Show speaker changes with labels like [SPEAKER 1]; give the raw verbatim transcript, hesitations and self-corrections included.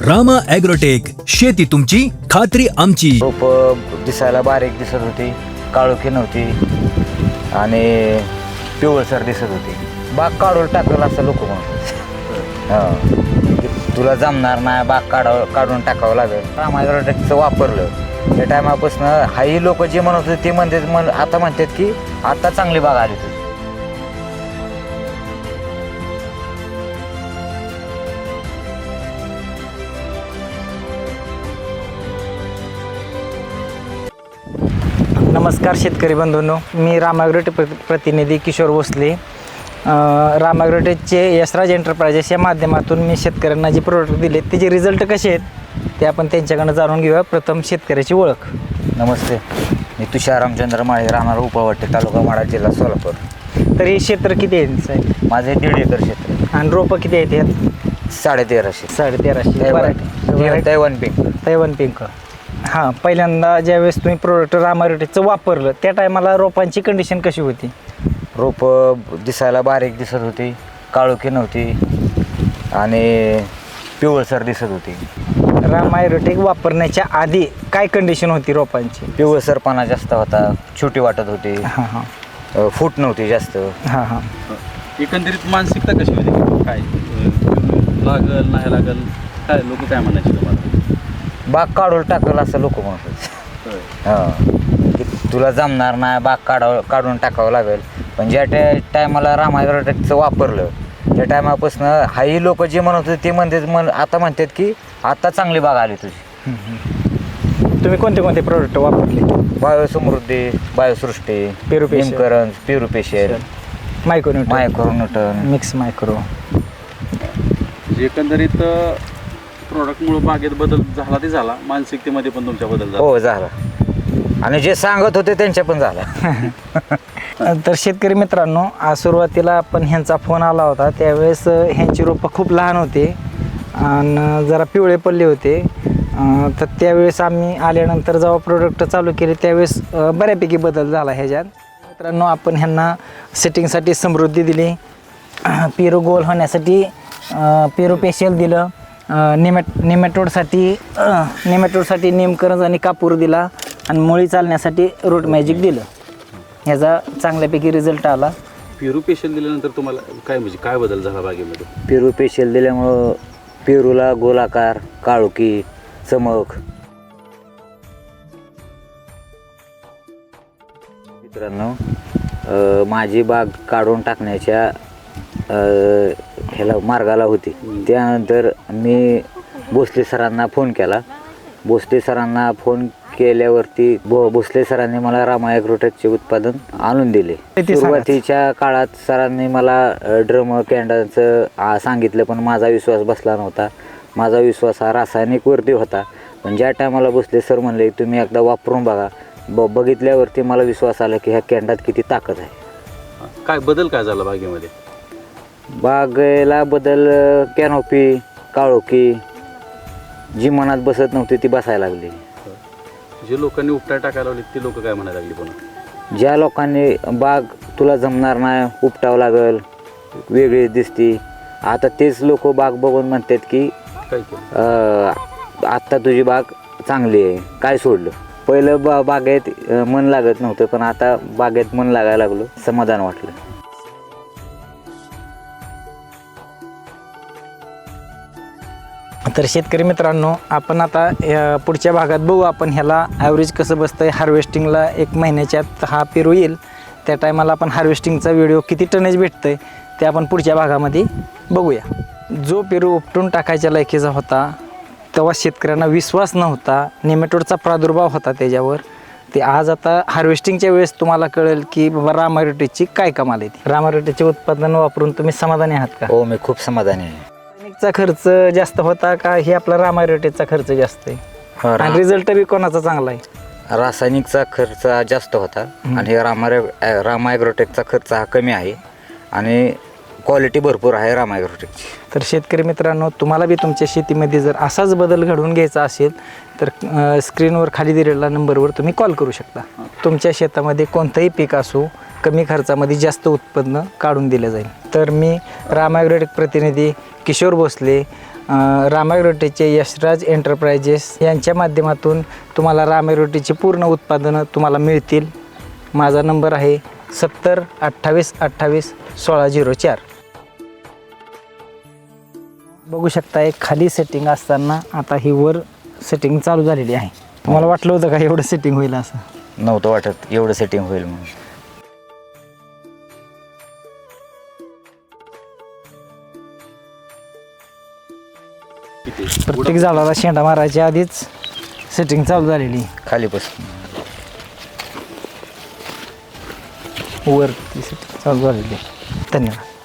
[SPEAKER 1] Rama agrotech, शेती तुमची खात्री आमची.
[SPEAKER 2] रोप दिसायला बारीक दिसत होती, काळोखी नव्हती आणि पिवळसर दिसत होती. बाग काढून टाकल असं लोक म्हणतात. हां, तुला जमणार नाही, बाग काढावं काढून टाकावं लागेल. रामा ॲग्रोटेकचं वापरलं त्या टायमापासून हाही लोक जे म्हणत होते ते म्हणतात म्हण आता म्हणतात की आता चांगली बाग आली तुझी.
[SPEAKER 3] नमस्कार शेतकरी बंधूंनो, मी रामा ॲग्रोटेक प्र प्रतिनिधी किशोर भोसले. रामा ॲग्रोटेकचे यशराज एंटरप्राइजेस या माध्यमातून मी शेतकऱ्यांना जे प्रोडक्ट दिले त्याचे रिझल्ट कसे आहेत ते आपण त्यांच्याकडनं जाणून घेऊया. प्रथम शेतकऱ्याची ओळख.
[SPEAKER 2] नमस्ते, मी तुषार रामचंद्र माळे, राहणार उपवाटे, तालुका माढा, जिल्हा सोलापूर.
[SPEAKER 3] तर हे क्षेत्र किती आहे साहेब?
[SPEAKER 2] माझे दीड एकर क्षेत्र
[SPEAKER 3] आणि रोपं किती आहेत यात?
[SPEAKER 2] साडे तेराशे.
[SPEAKER 3] साडे तेराशे variety
[SPEAKER 2] Taiwan pink.
[SPEAKER 3] Taiwan pink. हां, पहिल्यांदा ज्यावेळेस तुम्ही प्रोडक्ट रामा ॲग्रोटेकचं वापरलं त्या टायमाला रोपांची कंडिशन कशी होती?
[SPEAKER 2] रोप दिसायला बारीक दिसत होती, काळोखी नव्हती आणि पिवळसर दिसत होती.
[SPEAKER 3] रामा ॲग्रोटेक वापरण्याच्या आधी काय कंडिशन होती रोपांची?
[SPEAKER 2] पिवळसरपणा जास्त होता, छोटी वाटत होती,
[SPEAKER 3] हां हां
[SPEAKER 2] अ, फूट नव्हती जास्त.
[SPEAKER 3] हां हां
[SPEAKER 4] एकंदरीत मानसिकता कशी होती? काय अं, लागल नाही लागल, काय लोक काय म्हणायचे तुम्हाला?
[SPEAKER 2] बाग काढून टाकल असं लोक म्हणतात. हां, की तुला जमणार नाही, बाग काढावं काढून टाकावं लागेल. पण ज्या टा टायमाला रामा ॲग्रोटेकचं वापरलं त्या टायमापासून हाही लोक जे म्हणत होते ते म्हणतात म्हण आता म्हणतात की आता चांगली बाग आली तुझी.
[SPEAKER 3] तुम्ही कोणते कोणते प्रोडक्ट वापरले?
[SPEAKER 2] बायोसमृद्धी, बायोसृष्टी,
[SPEAKER 3] पेरुपेशल.
[SPEAKER 2] निमकरंज, पेरुपेशल,
[SPEAKER 3] मायक्रोन्यूट्रन,
[SPEAKER 2] मायक्रोन्यूटन.
[SPEAKER 3] Mix micro.
[SPEAKER 4] म्हणजे एकंदरीत प्रोडक्टमुळे बागेत बदल झाला ते झाला, मानसिकतेमध्ये पण तुमच्या बदल झाला.
[SPEAKER 2] हो झाला, आणि जे सांगत होते त्यांच्या पण झाला.
[SPEAKER 3] तर शेतकरी मित्रांनो, आज सुरुवातीला आपण ह्यांचा फोन आला होता त्यावेळेस ह्यांची रोपं खूप लहान होते आणि जरा पिवळे पडले होते. तर त्यावेळेस आम्ही आल्यानंतर जेव्हा प्रोडक्ट चालू केले त्यावेळेस बऱ्यापैकी बदल झाला ह्याच्यात. मित्रांनो, आपण ह्यांना सेटिंगसाठी समृद्धी दिली, पेरू गोल होण्यासाठी पेरुपेशल दिलं, निमॅट निमॅटोडसाठी निमॅटोडसाठी निमकरंज आणि कापूर दिला आणि मुळी चालण्यासाठी रूट मॅजिक दिलं. ह्याचा चांगल्यापैकी रिझल्ट आला.
[SPEAKER 4] पेरुपेशल दिल्यानंतर तुम्हाला काय म्हणजे काय बदल झाला बागेमध्ये?
[SPEAKER 2] पेरुपेशल दिल्यामुळं पेरूला गोलाकार, काळोखी, चमक. मित्रांनो, अ, माझी बाग काढून टाकण्याच्या अ, ह्याला मार्गाला होती. त्यानंतर मी भोसले सरांना फोन केला. भोसले सरांना फोन केल्यावरती भो भोसले सरांनी मला रामा ॲग्रोटेकचे उत्पादन आणून दिले. सुरुवातीच्या काळात सरांनी मला ड्रम कॅन्डाचं सांगितलं, पण माझा विश्वास बसला नव्हता. माझा विश्वास हा रासायनिकवरती होता. पण ज्या टायमाला भोसले सर म्हणले तुम्ही एकदा वापरून बघा, ब बघितल्यावरती मला विश्वास आला की ह्या कॅन्डात किती ताकद आहे.
[SPEAKER 4] काय बदल काय झाला बागेमध्ये?
[SPEAKER 2] बागेला बदल, कॅनोपी, काळोखी जी मनात बसत नव्हती ती बसायला लागली.
[SPEAKER 4] जे लोकांनी उपटा टाकायला लावले ते लोक काय म्हणायला लागली? पण
[SPEAKER 2] ज्या लोकांनी बाग तुला जमणार नाही, उपटावं लागल, वेगळी दिसती, आता तेच लोक बाग बघून म्हणतात की
[SPEAKER 4] काय केलं?
[SPEAKER 2] आत्ता तुझी बाग चांगली आहे, काय सोडलं. पहिलं बा बागेत मन लागत नव्हतं, पण आता बागेत मन लागायला लागलो, समाधान वाटलं.
[SPEAKER 3] तर शेतकरी मित्रांनो, आपण आता पुढच्या भागात बघू आपण ह्याला ॲव्हरेज कसं बसतं आहे. हार्वेस्टिंगला एक महिन्याच्यात हा पेरू येईल त्या टायमाला आपण हार्वेस्टिंगचा व्हिडिओ किती टनेज भेटतं आहे ते आपण पुढच्या भागामध्ये बघूया. जो पेरू उपटून टाकायच्या लायकीचा होता तेव्हा शेतकऱ्यांना विश्वास नव्हता, नेमॅटोडचा प्रादुर्भाव होता त्याच्यावर, ते आज आता हार्वेस्टिंगच्या वेळेस तुम्हाला कळेल की बाबा रामा ॲग्रोटेकची काय कमाल आहे. ती रामा ॲग्रोटेकचे उत्पादन वापरून तुम्ही समाधानी आहात का?
[SPEAKER 2] हो, मी खूप समाधानी आहे.
[SPEAKER 3] चा खर्च जास्त होता का हे आपला रामा ॲग्रोटेकचा खर्च जास्त आहे? आणि रिझल्ट बी कोणाचा चांगला आहे?
[SPEAKER 2] रासायनिकचा खर्च हा जास्त होता आणि रामा रामा ॲग्रोटेकचा खर्च हा कमी आहे आणि क्वालिटी भरपूर आहे रामा ॲग्रोटेकची.
[SPEAKER 3] तर शेतकरी मित्रांनो, तुम्हाला बी तुमच्या शेतीमध्ये जर असाच बदल घडवून घ्यायचा असेल तर स्क्रीनवर खाली दिलेल्या नंबरवर तुम्ही कॉल करू शकता. तुमच्या शेतामध्ये कोणतंही पीक असो, कमी खर्चामध्ये जास्त उत्पन्न काढून दिलं जाईल. तर मी रामा ॲग्रोटेक प्रतिनिधी किशोर भोसले रामायरोटीचे यशराज एंटरप्राइजेस यांच्या माध्यमातून तुम्हाला रामायरोटीची पूर्ण उत्पादनं तुम्हाला मिळतील. माझा नंबर आहे सत्तर अठ्ठावीस अठ्ठावीस सोळा झिरो चार. बघू शकता एक खाली सेटिंग असताना आता ही वर सेटिंग चालू झालेली आहे. तुम्हाला वाटलं होतं का एवढं सेटिंग होईल असं?
[SPEAKER 2] नव्हतं वाटत एवढं सेटिंग होईल म्हणून.
[SPEAKER 3] प्रत्येक झाडाला शेंडा मारायच्या आधीच सेटिंग चालू झालेली
[SPEAKER 2] खालीपासून
[SPEAKER 3] वर ती सेटिंग चालू झालेली. धन्यवाद.